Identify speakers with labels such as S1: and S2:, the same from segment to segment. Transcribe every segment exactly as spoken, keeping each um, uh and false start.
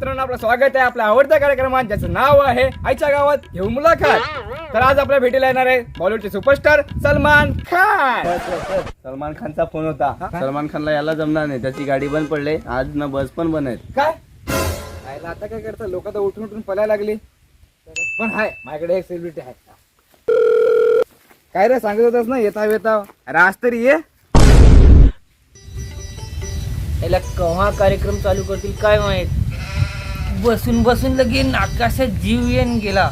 S1: मित्रांनो, आपलं स्वागत आहे आपल्या आवडत्या कार्यक्रमात, ज्याचं नाव आहे आईच्या गावात घेऊ मुलाखत. तर आज आपल्या भेटीला येणार आहे बॉलिवूडचे सुपरस्टार सलमान खान.
S2: सलमान खानचा फोन होता. सलमान खानला यायला जमणार नाही, त्याची गाडी बंद पडले आज ना, बस पण बंद आहेत.
S1: काय आईला आता काय करतं, लोक तर उठून उठून पळायला लागली. पण हाय माझ्याकडे एक सेलिब्रिटी आहे. काय रे सांगत होतास ना येता येता, अरे आज तरी ये.
S3: याला केव्हा कार्यक्रम चालू करतील काय माहित. बसून बसून लगे आकाशात जीव येऊन गेला.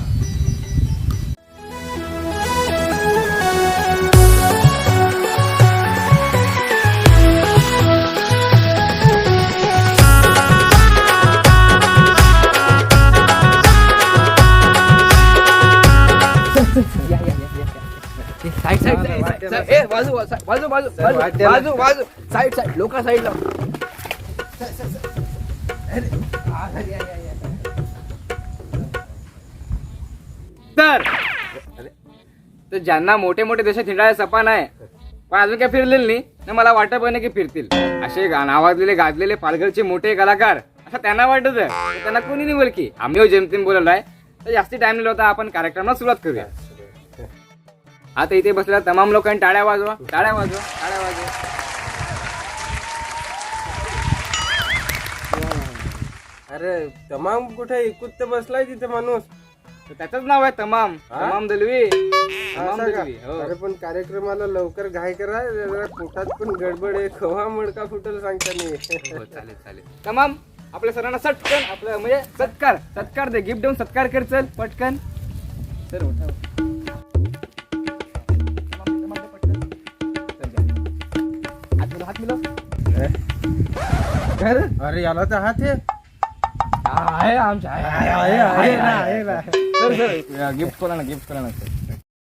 S1: साईड साईड साईड ए बाजू बाजू बाजू बाजू बाजू बाजू साईड साईड लोक साईडला. तर तर ज्यांना मोठे मोठे देशात हिंडायला सपा नाही, पण अजून काय फिरलेलं नाही ना, मला वाटत पण नाही की फिरतील. असे गा- नावाजलेले गाजलेले पालघरचे मोठे कलाकार असं त्यांना वाटत आहे, त्यांना कोणी नाही बोल की आम्ही जेमतेम बोललो आहे. तर जास्ती टाइम लिहिला होता, आपण कार्यक्रमाला सुरुवात करूया. आता इथे बसलेल्या तमाम लोकांनी टाळ्या वाजवा, टाळ्या वाजवा, टाळ्या वाजवा.
S4: अरे तमाम कुठे एकूच तर बसलाय तिथे माणूस.
S1: तर त्याचंच नाव आहे तमाम, तमाम दलवी, तमाम
S4: असं का?
S1: दलवी. हो.
S4: अरे पण कार्यक्रमाला लवकर घाई करा, जरा पोटात पण गडबड आहे. खवा मडका फुटल सांगता नाही.
S1: हो, चालेल चालेल. तमाम आपल्या सरांना सटकन आपलं म्हणजे सत्कार सत्कार दे, गिफ्ट देऊन सत्कार कर. चल पटकन सर उठा. हात मिळव, हात मिळव. काय रे?
S4: अरे याला तर हात आहे.
S1: आहे आमच्या आहे, आहे, आहे, आहे ना, आहे ना. सर सर गिफ्ट करा ना, गिफ्ट करा ना सर.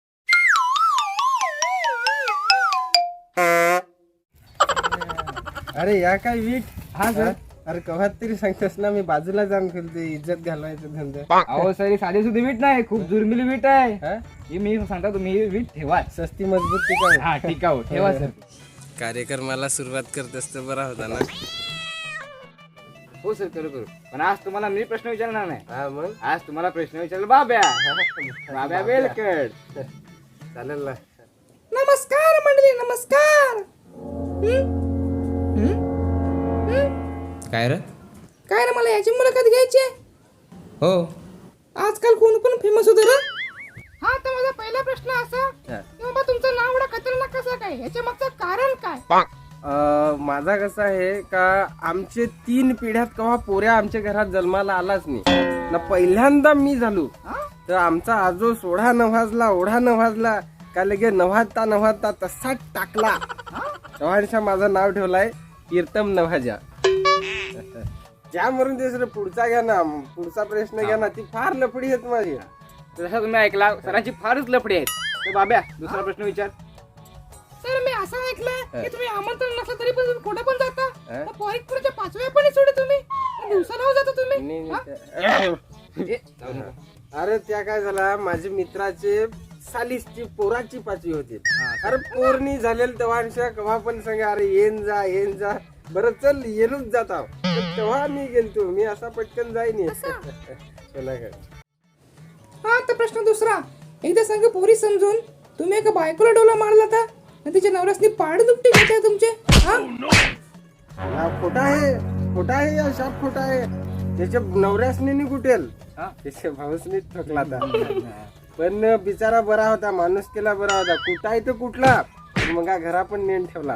S4: अरे या काय वीट.
S1: हा सर.
S4: अरे कव्हात तरी सांगतोस ना, मी बाजूला जाऊन खेळते, इज्जत घालवायचं धंदा.
S1: अहो सर, ही साधी सुधी वीट नाही, खूप दुर्मिळ वीट आहे.
S4: हा?
S1: ही मी सांगता तुम्ही ही वीट ठेवा.
S4: सस्ती मजबूत टिकाऊ.
S1: हा ठीक आहे, ठेवा सर.
S4: कार्यक्रमाला सुरुवात करत असतं बरा होता ना.
S1: हो सर, करू करू. पण आज तुम्हाला मी प्रश्न विचारणार नाही.
S4: हा मग
S1: आज तुम्हाला प्रश्न विचारला बाब्या. बाब्या वेलकड.
S4: चालेल ना.
S1: नमस्कार मंडळी, नमस्कार.
S2: काय रे?
S1: काय रे, मला याची मुलाखत घ्यायची आहे.
S2: हो,
S1: आजकाल कोण कोण फेमस होतं रे? हा, तर माझा पहिला प्रश्न असा की बाबा तुमचं नाव एवढा खतरनाक कसं काय, याच्या मागचं कारण काय?
S4: अं, माझा कसा आहे का, आमचे तीन पिढ्यात केव्हा पोऱ्या आमच्या घरात जन्माला आलाच नाही ना. पहिल्यांदा मी झालो तर आमचा आजो सोळा नवाजला, ओढा नवाजला का लगे नव्हाता नव्हाता तसाच टाकला. तेव्हा माझं नाव ठेवलाय कीर्तम नवाजा. ज्या मरून दुसरं पुढचा घ्या ना, पुढचा प्रश्न घ्या ना, ती फार लफडी आहेत माझी.
S1: जसं तुम्ही ऐकला, सरांची फारच लफडी आहेत. तर बाब्या दुसरा प्रश्न विचार.
S5: सर मी असं ऐकलं की तुम्ही आमंत्रण नसलं तरी पण तुम्ही कुठे पण जाता. मग पॉईंटच्या पाचव्या पण सोडे तुम्ही दिवसाला जाता तुम्ही.
S1: ए, जाऊ नका.
S4: अरे त्या काय झाला, माझ्या मित्राचे सालीसची पोराची पाचवी होती. अरे पोरणी झालेल तेव्हा केव्हा पण सांगा, अरे येन जा येन जा, बरं चल येणूच जाता. तेव्हा मी गेलतो, मी असा पटकन जाईन. चला काय.
S5: हा, तर प्रश्न दुसरा. एकदा सांग पोरी समजून, तुम्ही एका बायकोला डोला मारला होता आणि तिच्या नवऱ्यासनी पाड दुपटे घेते तुमचे. हा,
S4: हा खोटा आहे, खोटा आहे, या शाप खोटा आहे. त्याच्या नवऱ्यासनी नाही कुटेल, त्याच्या भाऊसनी ठोकला होता. पण बिचारा बरा होता, माणूस केला बरा होता. कुठं आहे तर कुठला, मग हा घरा पण नेऊन ठेवला.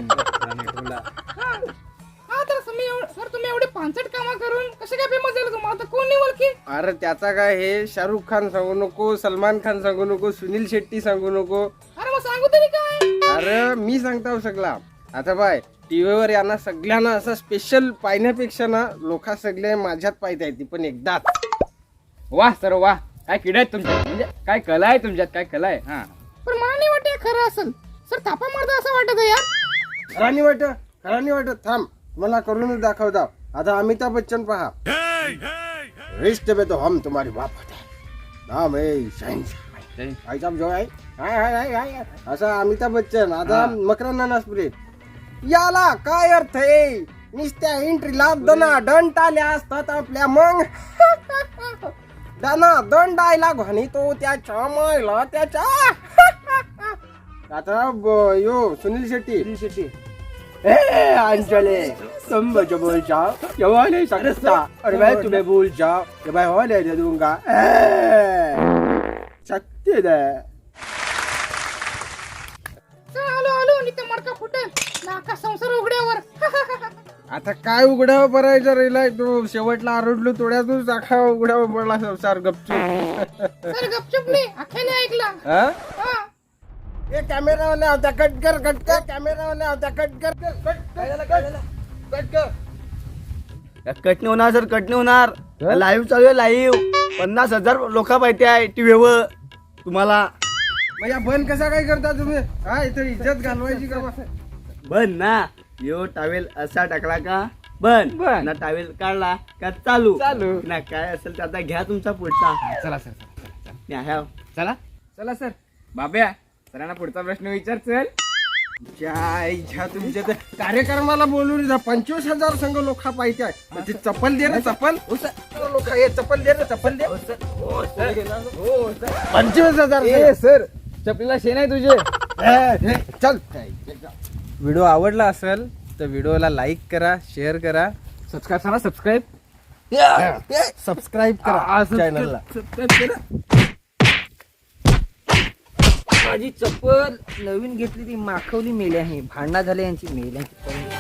S5: हा, तर तुम्ही एवढं- सर तुम्ही एवढे पानसट कामं करून कसे काय फेमस झाले तुम्हाला, आता कोण नाही ओळखी?
S4: अरे त्याचा काय, हे शाहरुख खान सांगू नको, सलमान खान सांगू नको, सुनील शेट्टी सांगू नको.
S5: अरे मग सांगू तरी काय.
S4: अरे मी सांगता सगळा. आता बाय टीव्हीवर यांना सगळ्यांना असं स्पेशल पाहण्यापेक्षा ना, लोक सगळे माझ्यात पाहता येते, पण एकदाच.
S1: वा सर वा, काय किडा आहेत तुमच्यात, म्हणजे काय कला आहे तुमच्यात, काय कला आहे. हा,
S5: पण मला नाही वाटत हे खरं असेल. सर थापा मारता असं वाटत आहे यार.
S4: खरा नाही वाटत, खरा नाही वाटत. थांब, मला करूनच दाखवता. आता अमिताभ बच्चन पहा. रिश्ते पे तो हम तुम्हारी बाप होते, नाम है शहंशाह. भाई साहब जो आहे हाय हाय हाय हाय असा अमिताभ बच्चन. आता मकरांना नासपुरे, याला काय अर्थ आहे, नुसत्या एंट्रीला दना दंड आल्या असतात आपल्या मग दना दंड आयला घाणी तो त्याच्या मायला त्याच्या आता ब- यो सुनील शेट्टी सुनील शेट्टी ए अंजले तुम मुझे बोल जाओ ये हो नहीं सकता और मैं तुम्हें भूल जाओ ये मैं हो नहीं दे दूंगा ए शक्ति दे
S5: आलो आलो आणि ते मडका फुटेल नाका संसार उघड्यावर
S4: आता काय उघड्यावर भरायचं रेलाय तू शेवटला आरडलो थोड्यातून चाखा उघड्यावर पडला संसार गपचूप
S5: सर गपचूप नाही अख्याने ऐकला
S4: हा
S5: हा
S4: ए कॅमेरावाला होता कट कर कट कर कॅमेरावाला होता कट कर कट कर कट कर
S2: कट नाही होणार सर, कट नाही होणार. लाईव्ह चालू आहे, लाईव्ह. पन्नास हजार लोक पाहिजे आहे टीव्हीवर तुम्हाला.
S4: म्हणजे बंद कसा काय करता तुम्ही हा इथे इज्जत घालवायची का
S2: बंद ना. यो टावेल असा टाकला का बंद,
S1: बंद.
S2: ना टावेल काढला का चालू
S1: चालू.
S2: ना. काय असेल तर आता घ्या तुमचा पुढचा.
S1: चला सर चला, चला.
S2: न्या, ह्या.
S1: चला चला सर. बाब्या सरांना पुढचा प्रश्न विचार. चल
S4: ज्या इच्छा तुमच्या त्या कार्यक्रमाला बोलून जा. पंचवीस हजार संघ लोक पाहिजे म्हणजे चप्पल दे रे चप्पल लोक हे चप्पल दे रे चप्पल दे पंचवीस हजार
S1: ए सर चपलीला शेण आहे तुझे.
S4: ए, ए, चल व्हिडिओ आवडला असेल तर व्हिडिओला लाईक करा, शेअर करा,
S1: सबस्क्राईब करा. सबस्क्राईब
S4: सबस्क्राईब करा चॅनलला.
S3: माझी चप्पल नवीन घेतली ती माखवली मेली आहे. भांडणा झाले यांची मेल्यांची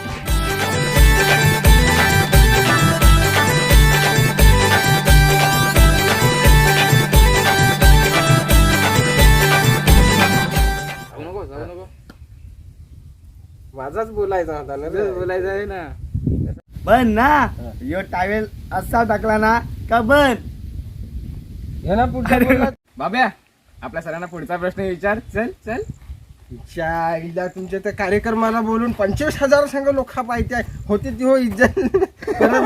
S1: नको जाऊ नको.
S4: माझाच बोलायचा होता ना रे.
S1: बोलायचं आहे ना.
S2: बंद ना. यो टावेल असा टाकला ना का बंद.
S4: हे ना पुढचा बोला.
S1: बाब्या आपल्या सरांना पुढचा प्रश्न विचार. चल चल.
S4: च्या इला तुमच्या त्या कार्यक्रमाला बोलून पंचवीस हजार संघ लोक पाहिजे होते ती हो इज्जत